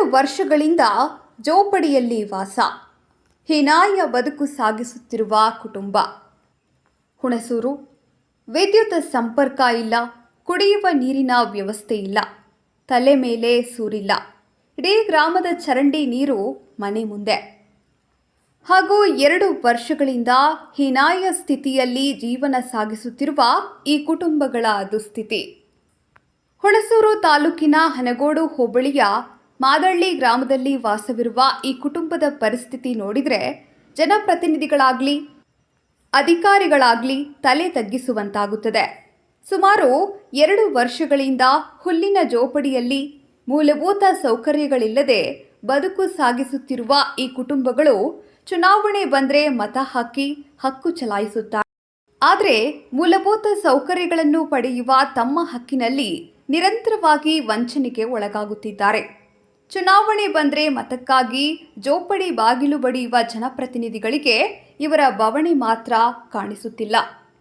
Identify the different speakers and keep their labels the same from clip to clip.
Speaker 1: ವರ್ಷಗಳಿಂದ ಜೋಪಡಿಯಲ್ಲಿ ವಾಸ, ಹೀನಾಯ ಬದುಕು ಸಾಗಿಸುತ್ತಿರುವ ಕುಟುಂಬ. ಹುಣಸೂರು. ವಿದ್ಯುತ್ ಸಂಪರ್ಕ ಇಲ್ಲ, ಕುಡಿಯುವ ನೀರಿನ ವ್ಯವಸ್ಥೆ ಇಲ್ಲ, ತಲೆ ಮೇಲೆ ಸೂರಿಲ್ಲ. ಇಡೀ ಗ್ರಾಮದ ಚರಂಡಿ ನೀರು ಮನೆ ಮುಂದೆ. ಹಾಗೂ 2 ವರ್ಷಗಳಿಂದ ಹೀನಾಯ ಸ್ಥಿತಿಯಲ್ಲಿ ಜೀವನ ಸಾಗಿಸುತ್ತಿರುವ ಈ ಕುಟುಂಬಗಳ ದುಸ್ಥಿತಿ. ಹುಣಸೂರು ತಾಲೂಕಿನ ಹನಗೋಡು ಹೋಬಳಿಯ ಮಾದಳ್ಳಿ ಗ್ರಾಮದಲ್ಲಿ ವಾಸವಿರುವ ಈ ಕುಟುಂಬದ ಪರಿಸ್ಥಿತಿ ನೋಡಿದರೆ ಜನಪ್ರತಿನಿಧಿಗಳಾಗಲಿ ಅಧಿಕಾರಿಗಳಾಗಲಿ ತಲೆ ತಗ್ಗಿಸುವಂತಾಗುತ್ತದೆ. ಸುಮಾರು 2 ವರ್ಷಗಳಿಂದ ಹುಲ್ಲಿನ ಜೋಪಡಿಯಲ್ಲಿ ಮೂಲಭೂತ ಸೌಕರ್ಯಗಳಿಲ್ಲದೆ ಬದುಕು ಸಾಗಿಸುತ್ತಿರುವ ಈ ಕುಟುಂಬಗಳು ಚುನಾವಣೆ ಬಂದರೆ ಮತ ಹಾಕಿ ಹಕ್ಕು ಚಲಾಯಿಸುತ್ತಾರೆ. ಆದರೆ ಮೂಲಭೂತ ಸೌಕರ್ಯಗಳನ್ನು ಪಡೆಯುವ ತಮ್ಮ ಹಕ್ಕಿನಲ್ಲಿ ನಿರಂತರವಾಗಿ ವಂಚನೆಗೆ ಒಳಗಾಗುತ್ತಿದ್ದಾರೆ. ಚುನಾವಣೆ ಬಂದರೆ ಮತಕ್ಕಾಗಿ ಜೋಪಡಿ ಬಾಗಿಲು ಬಡಿಯುವ ಜನಪ್ರತಿನಿಧಿಗಳಿಗೆ ಇವರ ಬವಣೆ ಮಾತ್ರ ಕಾಣಿಸುತ್ತಿಲ್ಲ.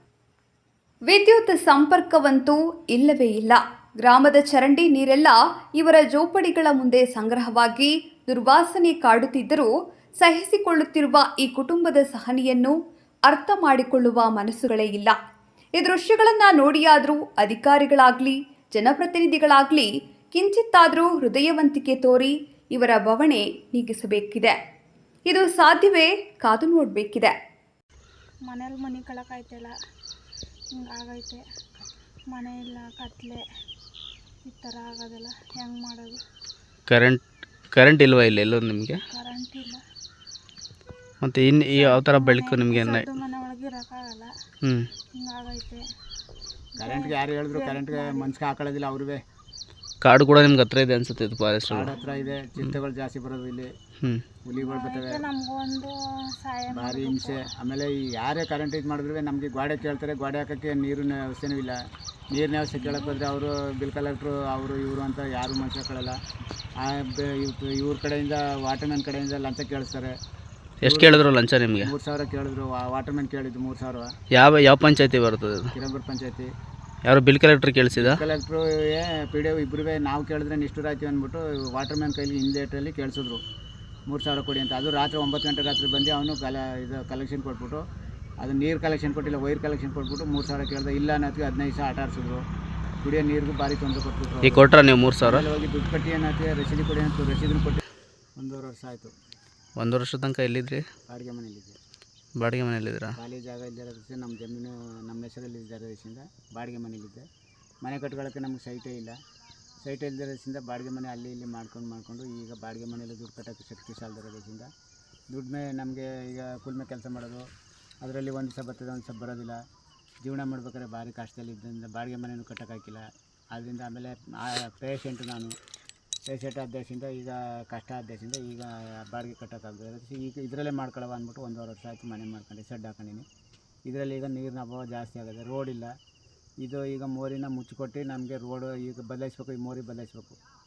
Speaker 1: ವಿದ್ಯುತ್ ಸಂಪರ್ಕವಂತೂ ಇಲ್ಲವೇ ಇಲ್ಲ. ಗ್ರಾಮದ ಚರಂಡಿ ನೀರೆಲ್ಲ ಇವರ ಜೋಪಡಿಗಳ ಮುಂದೆ ಸಂಗ್ರಹವಾಗಿ ದುರ್ವಾಸನೆ ಕಾಡುತ್ತಿದ್ದರೂ ಸಹಿಸಿಕೊಳ್ಳುತ್ತಿರುವ ಈ ಕುಟುಂಬದ ಸಹನೆಯನ್ನು ಅರ್ಥ ಮಾಡಿಕೊಳ್ಳುವ ಮನಸ್ಸುಗಳೇ ಇಲ್ಲ. ಈ ದೃಶ್ಯಗಳನ್ನು ನೋಡಿಯಾದರೂ ಅಧಿಕಾರಿಗಳಾಗಲಿ ಜನಪ್ರತಿನಿಧಿಗಳಾಗಲಿ ಕಿಂಚಿತ್ತಾದರೂ ಹೃದಯವಂತಿಕೆ ತೋರಿ ಇವರ ಬವಣೆ ನೀಗಿಸಬೇಕಿದೆ. ಇದು ಸಾಧ್ಯವೇ? ಕಾದು ನೋಡಬೇಕಿದೆ.
Speaker 2: ಮನೇಲಿ ಮನೆ ಕಳಕಾಯ್ತಿಲ್ಲ, ಹಿಂಗಾಗೈತೆ. ಮನೆ ಇಲ್ಲ, ಕತ್ಲೆ, ಈ ಥರ ಆಗೋದಲ್ಲ, ಹೆಂಗೆ ಮಾಡೋದು?
Speaker 3: ಕರೆಂಟ್ ಇಲ್ವಾ ಇಲ್ಲ ಎಲ್ಲೂ ನಿಮಗೆ?
Speaker 2: ಕರೆಂಟ್ ಇಲ್ಲ.
Speaker 3: ಮತ್ತು ಇನ್ನು ಯಾವ ಥರ ಬೆಳಕು ನಿಮಗೆ?
Speaker 2: ಮನೆ ಒಳಗೆ ಇರೋಕ್ಕಾಗಲ್ಲ, ಹಿಂಗಾಗೈತೆ.
Speaker 4: ಕರೆಂಟ್ಗೆ ಯಾರು ಹೇಳಿದ್ರು ಕರೆಂಟ್ಗೆ ಮನ್ಸಿಗೆ ಹಾಕೊಳ್ಳೋದಿಲ್ಲ ಅವ್ರಿಗೆ.
Speaker 3: ಕಾಡು ಕೂಡ ನಿಮ್ಗೆ ಹತ್ರ ಇದೆ ಅನ್ಸುತ್ತೆ, ಇದು ಫಾರೆಸ್ಟ್
Speaker 4: ಕಾಡು ಹತ್ರ ಇದೆ. ಚಿಂತೆಗಳು ಜಾಸ್ತಿ ಬರೋದು ಇಲ್ಲಿ, ಹುಲಿಗಳು ಬರ್ತವೆ,
Speaker 2: ನಮಗೊಂದು
Speaker 4: ಭಾರಿ ಹಿಂಸೆ. ಆಮೇಲೆ ಈ ಯಾರೇ ಕರೆಂಟ್ ಇದು ಮಾಡಿದ್ರು ನಮಗೆ ಗೋಡೆ ಕೇಳ್ತಾರೆ, ಗೋಡೆ ಹಾಕೋಕ್ಕೆ ನೀರಿನ ವ್ಯವಸ್ಥೆನೂ ಇಲ್ಲ. ನೀರಿನ ವ್ಯವಸ್ಥೆ ಕೇಳಕ್ಕೆ ಹೋದರೆ ಅವರು ಬಿಲ್ ಕಲೆಕ್ಟ್ರು ಅವರು ಇವರು ಅಂತ ಯಾರು ಮನುಷ್ಯ ಕೇಳಲ್ಲ. ಇವ್ರ ಕಡೆಯಿಂದ ವಾಟರ್ಮ್ಯಾನ್ ಕಡೆಯಿಂದ ಲಂಚ ಕೇಳಿಸ್ತಾರೆ.
Speaker 3: ಎಷ್ಟು ಕೇಳಿದ್ರು ಲಂಚ ನಿಮಗೆ?
Speaker 4: 3,000 ಕೇಳಿದ್ರು. ವಾಟರ್ಮ್ಯಾನ್ ಕೇಳಿದ್ದು 3,000.
Speaker 3: ಯಾವ ಪಂಚಾಯತಿ ಬರ್ತದೆ?
Speaker 4: ಕಿರಂಬೂರು ಪಂಚಾಯತಿ.
Speaker 3: ಯಾರು ಬಿಲ್ ಕಲೆಕ್ಟ್ರ್ ಕೇಳಿಸಿದ?
Speaker 4: ಕಲೆಕ್ಟ್ರು PDO ಇಬ್ಬರೂ ನಾವು ಕೇಳಿದ್ರೆ ನಿಷ್ಠುರ ಆಯ್ತೀವಿ ಅಂದ್ಬಿಟ್ಟು ವಾಟರ್ಮ್ಯಾನ್ ಕೈಲಿ ಹಿಂದೇಟಲ್ಲಿ ಕೇಳಿಸಿದ್ರು 3,000 ಕೊಡಿ ಅಂತ. ಅದು ರಾತ್ರಿ 9 ಗಂಟೆ ರಾತ್ರಿ ಬಂದು ಅವನು ಇದು ಕಲೆಕ್ಷನ್ ಕೊಟ್ಬಿಟ್ಟು, ಅದು ನೀರು ಕಲೆಕ್ಷನ್ ಕೊಟ್ಟಿಲ್ಲ, ವೈರ್ ಕಲೆಕ್ಷನ್ ಕೊಟ್ಬಿಟ್ಟು 3,000 ಕೇಳಿದೆ. ಇಲ್ಲ ಅನ್ನೋದಕ್ಕೆ 15 ದಿವಸ ಆಟ ಆಡಿಸಿದ್ರು. ಕುಡಿಯೋ ನೀರಿಗೂ ಭಾರಿ ತೊಂದರೆ ಕೊಟ್ಬಿಟ್ರು.
Speaker 3: ಈಗ ಕೊಟ್ರ ನೀವು 3,000?
Speaker 4: ಹೋಗಿ ದುಡ್ಡು ಕಟ್ಟಿ ಅನ್ನೋಕ್ಕೆ ರಸೀದಿ ಕೊಡಿ ಅಂತ ರಸೀದನ್ನು ಕೊಟ್ಟು 1.5 ವರ್ಷ ಆಯಿತು.
Speaker 3: 1 ವರ್ಷ ತನಕ ಎಲ್ಲಿದ್ರಿ?
Speaker 4: ಬಾಡಿಗೆ ಮನೇಲಿದ್ದೆ.
Speaker 3: ಬಾಡಿಗೆ ಮನೇಲಿದ್ದೀರಾ?
Speaker 4: ಖಾಲಿ ಜಾಗ ಇಲ್ಲದ ನಮ್ಮ ಜಮೀನು ನಮ್ಮ ಹೆಸರಲ್ಲಿ ಇರೋದ್ರಿಂದ ಬಾಡಿಗೆ ಮನೇಲಿದ್ದೆ. ಮನೆ ಕಟ್ಕೊಳ್ಳೋಕ್ಕೆ ನಮ್ಗೆ ಸೈಟೇ ಇಲ್ಲ. ಸೈಟ್ ಇಲ್ಲದಿರೋದ್ರಿಂದ ಬಾಡಿಗೆ ಮನೆ ಅಲ್ಲಿ ಇಲ್ಲಿ ಮಾಡ್ಕೊಂಡು ಈಗ ಬಾಡಿಗೆ ಮನೇಲಿ ದುಡ್ಡು ಕಟ್ಟೋಕ್ಕೆ ಶಕ್ತಿ ಸಾಲದಿರೋದ್ರಿಂದ ದುಡ್ಡು ನಮಗೆ ಈಗ ಕೂಲ್ಮೆ ಕೆಲಸ ಮಾಡೋದು, ಅದರಲ್ಲಿ ಒಂದು ದಿವಸ ಬರ್ತದೆ, ಒಂದು ದಿವಸ ಬರೋದಿಲ್ಲ. ಜೀವನ ಮಾಡ್ಬೇಕಾದ್ರೆ ಭಾರಿ ಕಷ್ಟದಲ್ಲಿ ಇದ್ದರಿಂದ ಬಾಡಿಗೆ ಮನೆಯೂ ಕಟ್ಟೋಕ್ಕಾಗಿಲ್ಲ. ಆದ್ದರಿಂದ ಆಮೇಲೆ ಪೇಷೆಂಟು ನಾನು ಪೇಷೆಂಟ್ ಆದೇಶದಿಂದ ಈಗ ಕಷ್ಟ ಆದೇಶದಿಂದ ಈಗ ಬಾಡಿಗೆ ಕಟ್ಟೋಕ್ಕಾಗದೆ ಈಗ ಇದರಲ್ಲೇ ಮಾಡ್ಕೊಳ್ಳೋ ಅಂದ್ಬಿಟ್ಟು 1.5 ವರ್ಷ ಆಯಿತು ಮನೆ ಮಾಡ್ಕೊಂಡು ಸೆಡ್ ಹಾಕೊಂಡಿನಿ. ಇದರಲ್ಲಿ ಈಗ ನೀರಿನ ಅಭಾವ ಜಾಸ್ತಿ ಆಗಿದೆ. ರೋಡ್ ಇಲ್ಲ. ಇದು ಈಗ ಮೋರಿನ ಮುಚ್ಚಿಕೊಟ್ಟು ನಮಗೆ ರೋಡು ಈಗ ಬದಲಾಯಿಸ್ಬೇಕು, ಈ ಮೋರಿ ಬದಲಾಯಿಸ್ಬೇಕು.